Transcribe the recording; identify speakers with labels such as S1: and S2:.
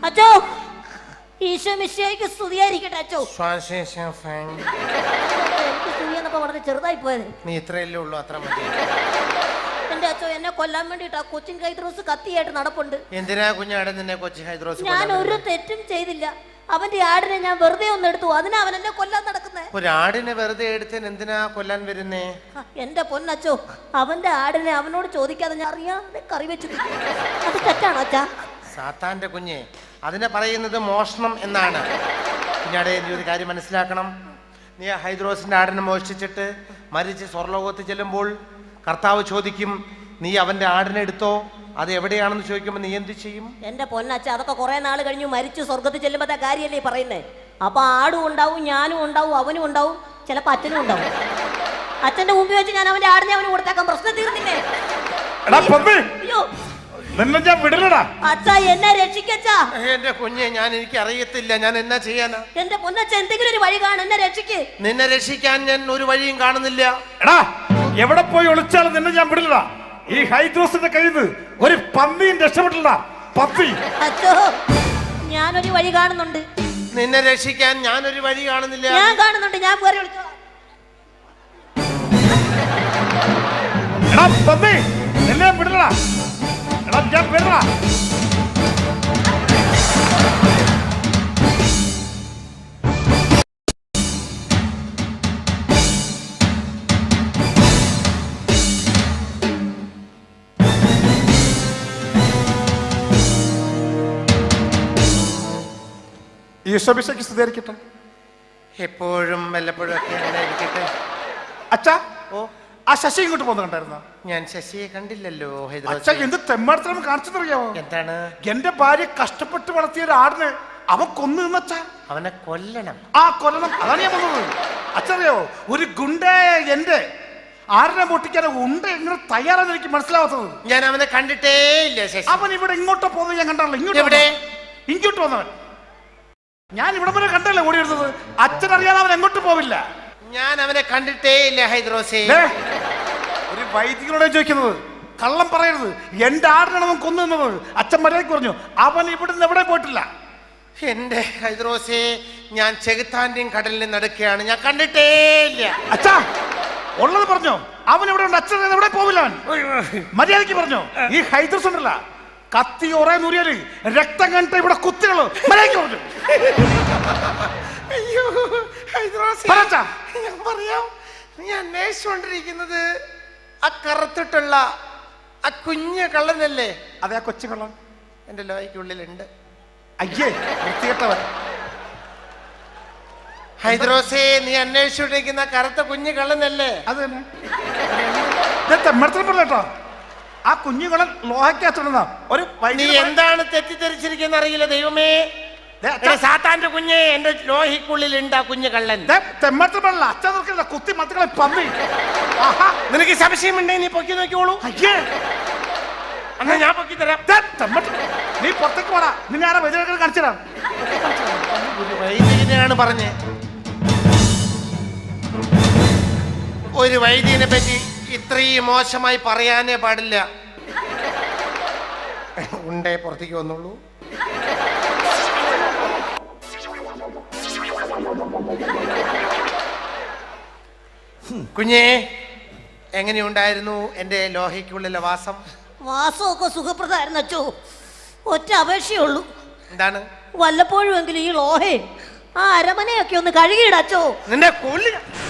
S1: അച്ചോ ഈശോ മിശിഹായ്ക്ക് സ്തുതിയായിരിക്കട്ടെ അച്ചോ. എനിക്ക് സ്തുതി എന്നപ്പോ വളരെ ചെറുതായി പോയത്.
S2: നീ ഇത്രയല്ലേ ഉള്ളൂ, അത്ര മതി.
S1: എന്റെ അച്ചോ എന്നെ കൊല്ലാൻ വേണ്ടിട്ടാ കൊച്ചിൻ ഹൈദ്രോസ് കത്തിയായിട്ട് നടപ്പുണ്ട്.
S2: എന്തിനാ കുഞ്ഞാടെ നിന്നെ കൊച്ചിൻ ഹൈദ്രോസ്?
S1: ഞാൻ ഒരു തെറ്റും ചെയ്തില്ല. അവന്റെ ആടിനെ ഞാൻ വെറുതെ ഒന്ന് എടുത്തു, അതിനാ അവൻ എന്നെ കൊല്ലാൻ നടക്കുന്നേ.
S2: ഒരു ആടിനെ വെറുതെ എടുത്തതിന് എന്തിനാ കൊല്ലാൻ വരുന്നേ?
S1: എന്റെ പൊന്നച്ചോ, അവന്റെ ആടിനെ അവനോട് ചോദിക്കാതെ ഞാൻ അറിയാതെ കറി വെച്ചു. അത് തെറ്റാണോ അച്ഛാ?
S2: സാത്താന്റെ കുഞ്ഞെ, അതിനെ പറയുന്നത് മോഷണം എന്നാണ്. കുഞ്ഞാടെ നീ ഒരു കാര്യം മനസ്സിലാക്കണം. നീ ആ ഹൈദ്രോസിന്റെ ആടിനെ മോഷ്ടിച്ചിട്ട് മരിച്ച് സ്വർലോകത്ത് ചെല്ലുമ്പോൾ കർത്താവ് ചോദിക്കും, നീ അവന്റെ ആടിനെ എടുത്തോ, അത് എവിടെയാണെന്ന് ചോദിക്കുമ്പോൾ നീ എന്ത് ചെയ്യും?
S1: എന്റെ പൊന്നച്ഛ, അതൊക്കെ കുറെ നാൾ കഴിഞ്ഞു മരിച്ചു സ്വർഗത്തിൽ ചെല്ലുമ്പോഴത്തെ കാര്യമല്ലേ പറയുന്നേ. അപ്പൊ ആടും ഉണ്ടാവും, ഞാനും ഉണ്ടാവും, അവനും ഉണ്ടാവും, ചിലപ്പോ അച്ഛനും ഉണ്ടാവും. അച്ഛന്റെ മുമ്പിൽ വെച്ച് ഞാൻ അവന്റെ ആടിനെ അവന് കൊടുത്തേക്കാം, പ്രശ്നം തീർന്നില്ലേ? അയ്യോ അച്ഛാ, എന്നെ രക്ഷിക്കച്ചാ.
S2: എന്റെ കുഞ്ഞെ, ഞാൻ എനിക്ക് അറിയത്തില്ല, ഞാൻ എന്നാ ചെയ്യാനാ?
S1: എന്റെ പൊന്നച്ഛ, എന്തെങ്കിലും ഒരു വഴി കാണും, എന്നെ രക്ഷിക്ക്.
S2: നിന്നെ രക്ഷിക്കാൻ ഞാൻ ഒരു വഴിയും കാണുന്നില്ല.
S3: എടാ, എവിടെ പോയി ഒളിച്ചാലും നിന്നെ ഞാൻ വിടില്ല. ഈ ഹൈദ്രോസിന്റെ കയ്യിൽ നിന്ന് ഒരു പന്നിയും രക്ഷപ്പെട്ടില്ല. പന്നി.
S1: അച്ഛോ, ഞാനൊരു വഴി കാണുന്നുണ്ട്.
S2: നിന്നെ രക്ഷിക്കാൻ ഞാനൊരു വഴി കാണുന്നില്ല.
S1: ഞാൻ കാണുന്നുണ്ട്, ഞാൻ വേറെ വിളിച്ചോളാം.
S3: എടാ പന്നി, നിന്നെ വിടില്ല. എടാ ഞാൻ വിടില്ല. ഈശോമിശിഹായ്ക്ക് സ്തുതിയായിരിക്കട്ടെ.
S2: എപ്പോഴും വല്ലപ്പോഴും ഒക്കെ അങ്ങനെ ഇരിക്കട്ടെ.
S3: അച്ഛാ,
S2: ഓ,
S3: ആ ശശി ഇങ്ങോട്ട് പോകുന്ന കണ്ടായിരുന്നോ?
S2: ഞാൻ ശശിയെ കണ്ടില്ലല്ലോ.
S3: അച്ഛാ, എന്ത് തെമ്മാടത്തരം കാണിച്ചെന്നറിയാമോ?
S2: എന്താണ്?
S3: എന്റെ ഭാര്യ കഷ്ടപ്പെട്ട് വളർത്തിയ ഒരു ആടിനെ അവൻ കൊന്നു നിന്നച്ഛാ.
S2: അവനെ കൊല്ലണം.
S3: ആ കൊല്ലണം, അതാണ് ഞാൻ വന്നത്. അച്ഛറിയാവോ, ഒരു ഗുണ്ടേ എന്റെ ആടിനെ പൊട്ടിക്കാൻ ഉണ്ട് എങ്ങനെ തയ്യാറാന്ന് എനിക്ക് മനസ്സിലാവാത്തത്.
S2: ഞാൻ അവനെ കണ്ടിട്ടേ ഇല്ല.
S3: അവൻ ഇവിടെ ഇങ്ങോട്ടോ പോകുന്നത് ഞാൻ കണ്ടല്ലോ. ഇങ്ങോട്ട് വന്നവൻ ഞാൻ ഇവിടെ വരെ കണ്ടല്ലേ ഓടി വരുന്നത്. അച്ഛനറിയാതെ അവൻ എങ്ങോട്ട് പോവില്ല.
S2: ഞാൻ അവനെ കണ്ടിട്ടേ ഇല്ല ഹൈദ്രോസേ.
S3: ഒരു വൈദികനോടെ ചോദിക്കുന്നത്, കള്ളം പറയരുത്. എന്റെ ആടിനാണ് അവൻ കൊന്നു നിന്നത്. അച്ഛൻ മര്യാദയ്ക്ക് പറഞ്ഞു, അവൻ ഇവിടുന്ന് എവിടെ പോയിട്ടില്ല.
S2: എന്റെ ഹൈദ്രോസേ, ഞാൻ ചെകുത്താന്റെയും കടലിൽ നടക്കുകയാണ്, ഞാൻ കണ്ടിട്ടേ ഇല്ല.
S3: അച്ഛാ, ഉള്ളത് പറഞ്ഞോ. അവൻ എവിടെ ഉണ്ട്? അച്ഛൻ എവിടെ പോവില്ല. അവൻ മര്യാദയ്ക്ക് പറഞ്ഞോ. ഈ ഹൈദ്രോസ് ഉണ്ടല്ല, കത്തി ഒറേ നൂറിയാല് രക്തം കണ്ടിട്ട് ഇവിടെ കുത്തികള്. മര്യാദയ്ക്ക് പറഞ്ഞു.
S2: അയ്യോ ഹൈദ്രോസേ, ഞാൻ പറയാം. നീ അന്വേഷിച്ചുകൊണ്ടിരിക്കുന്നത് ആ കറുത്തിട്ടുള്ള ആ കുഞ്ഞു കള്ളനല്ലേ?
S3: അതെ, ആ കൊച്ചു കള്ളൻ
S2: എന്റെ ലോയ്ക്കുള്ളിലുണ്ട്.
S3: അയ്യേ, വൃത്തികെട്ടവൻ.
S2: ഹൈദ്രോസേ, നീ അന്വേഷിച്ചുകൊണ്ടിരിക്കുന്ന കറുത്ത കുഞ്ഞു കള്ളനല്ലേ?
S3: അത് തന്നെ. തെമ്മടത്തിൽപ്പെട്ടോ ആ കുഞ്ഞുകളൻ ലോഹയ്ക്കകത്തുണ്ടെന്ന ഒരു.
S2: നീ എന്താണ് തെറ്റിദ്ധരിച്ചിരിക്കുന്ന അറിയില്ല. ദൈവമേ, സാത്താന്റെ കുഞ്ഞെ, എന്റെ ലോഹിക്കുള്ളിലുണ്ട് ആ കുഞ്ഞു കള്ളൻ.
S3: തെമ്മടത്തിൽപ്പെടല്ല, അച്ഛൻ നോക്കില്ല, കുത്തി മത്തുകളെ പന്നി.
S2: നിനക്ക് സംശയമുണ്ടെങ്കിൽ നീ പൊക്കി നോക്കിയോളൂ.
S3: അയ്യേ,
S2: എന്നാ ഞാൻ പൊക്കി തരാം.
S3: നീ പുറത്തേക്ക് പോടാ. നിന്നെ ആരാ വൈദ്യുതി കാണിച്ചു തരാം.
S2: വൈദികനാണ് പറഞ്ഞേ. ഒരു വൈദികനെ പറ്റി ഇത്രയും മോശമായി പറയാനേ പാടില്ല. ഉണ്ടേ പുറത്തേക്ക് വന്നോളൂ. കുഞ്ഞേ, എങ്ങനെയുണ്ടായിരുന്നു എന്റെ ലോഹയ്ക്കുള്ളിലെ വാസം?
S1: വാസമൊക്കെ സുഖപ്രദമായിരുന്നു അച്ചോ. ഒറ്റ അപേക്ഷയുള്ളൂ.
S2: എന്താണ്?
S1: വല്ലപ്പോഴും എങ്കിലും ഈ ലോഹേ ആ അരമനയൊക്കെ ഒന്ന് കഴുകിയിടച്ചോ.
S2: നിന്റെ കൊല്ലി